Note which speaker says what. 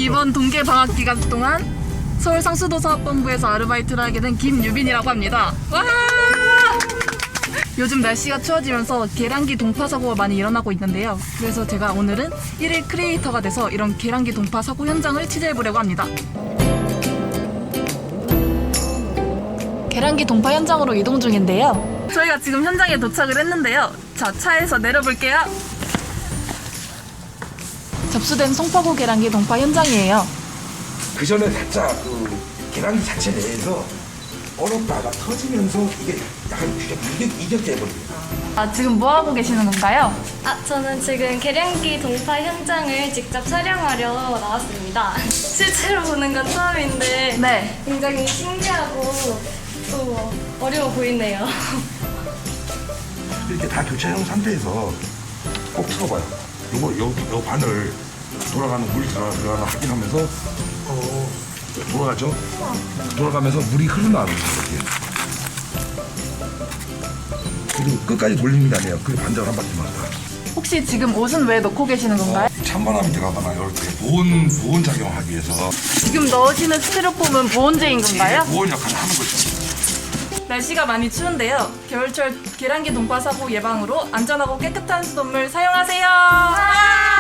Speaker 1: 이번 동계 방학 기간 동안 서울 상수도사업본부에서 아르바이트를 하게 된 김유빈이라고 합니다. 와! 요즘 날씨가 추워지면서 계량기 동파 사고가 많이 일어나고 있는데요. 그래서 제가 오늘은 1일 크리에이터가 돼서 이런 계량기 동파 사고 현장을 취재해보려고 합니다. 계량기 동파 현장으로 이동 중인데요. 저희가 지금 현장에 도착을 했는데요. 자, 차에서 내려볼게요. 접수된 송파구 계량기 동파 현장이에요.
Speaker 2: 그 전에 살짝 그 계량기 자체 내에서 얼었다가 터지면서 이게 약간 이격돼 버립니다.
Speaker 1: 아, 지금 뭐 하고 계시는 건가요?
Speaker 3: 저는 지금 계량기 동파 현장을 직접 촬영하려 나왔습니다. 실제로 보는 건 처음인데
Speaker 1: 네.
Speaker 3: 굉장히 신기하고 또 어려워 보이네요.
Speaker 2: 이렇게 다 교체해놓은 상태에서 꼭 틀어봐요. 요 바늘 돌아가는 물이 들어가는 확인하면서 돌아가죠. 돌아가면서 물이 흘러나오는 거예요. 그리고 끝까지 돌리는 게 아니에요. 그 반작을 한 바퀴만 다.
Speaker 1: 혹시 지금 옷은 왜 넣고 계시는 건가요?
Speaker 2: 찬바람이 들어가거나 이렇게 보온 작용하기 위해서
Speaker 1: 지금 넣으시는 스티로폼은 보온재인 건가요?
Speaker 2: 보온 역할을 하는 거죠.
Speaker 1: 날씨가 많이 추운데요. 겨울철 계량기 동파 사고 예방으로 안전하고 깨끗한 수돗물 사용하세요.